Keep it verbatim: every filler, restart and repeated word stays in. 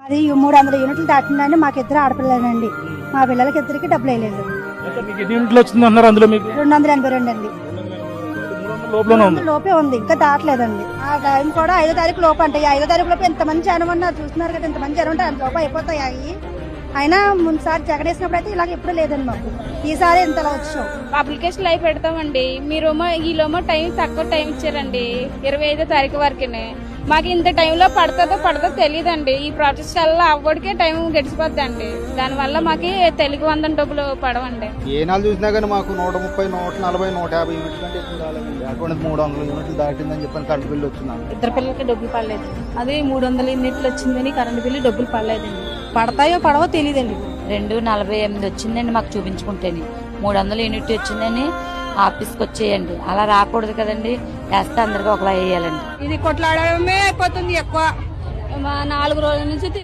అది మూడు వందల యూనిట్లు దాటిందండి. మాకు ఇద్దరు ఆడపిల్లలండి. మా పిల్లలకి ఇద్దరికి డబ్బులు వేయలేదు. అందులో మీకు రెండు వందల ఎనభై రెండు అండి లోపే ఉంది, ఇంకా దాటలేదండి. ఆ టైం కూడా ఐదో తారీఖు లోపు అంటే ఐదో తారీఖు లోపు ఎంతమంది జనం ఉన్నారు చూస్తున్నారు కదా, ఎంతమంది జనం ఉంటే అంత లోపు అయిపోతాయి. అయినా ముందుసారి జగన్ వేసినప్పుడు అయితే ఇలాగ ఎప్పుడు లేదండి మాకు. ఈసారి ఇంతలా వచ్చాం. అప్లికేషన్ అయి పెడతామండి. మీరేమో ఈలోమో టైం తక్కువ టైం ఇచ్చారండి, ఇరవై ఐదో తారీఖు వరకునే. మాకు ఇంత టైంలో పడుతుందో పడదో తెలియదండి. ఈ ప్రాసెస్ వల్ల అవ్వడికే టైం గడిచిపోద్దండి. దానివల్ల మాకు తెలుగు వందల డబ్బులు పడవండి. ఏ నాలుగు చూసినా కానీ మాకు నూట ముప్పై నూట నలభై నూట యాభై యూనిట్ల కంటే ఎక్కువ రాలేదండి. అకౌంట్ మూడు వందల యూనిట్లు దాటిందని చెప్పని కరెంట్ బిల్లు వచ్చింది. ఇద్దరు పిల్లలకి డబ్బులు పడలేదు. అది మూడు వందల యూనిట్లు వచ్చిందని కరెంట్ బిల్లు డబ్బులు పడలేదండి. పడతాయో పడవో తెలియదండి. రెండు నలభై ఎనిమిది వచ్చిందండి మాకు చూపించుకుంటేని. మూడు వందల యూనిట్ వచ్చిందని ఆఫీస్కి వచ్చేయండి. అలా రాకూడదు కదండి, వేస్తే అందరికీ ఒకలా వేయాలండి. ఇది కొట్లాడమే అయిపోతుంది ఎక్కువ. నాలుగు రోజుల నుంచి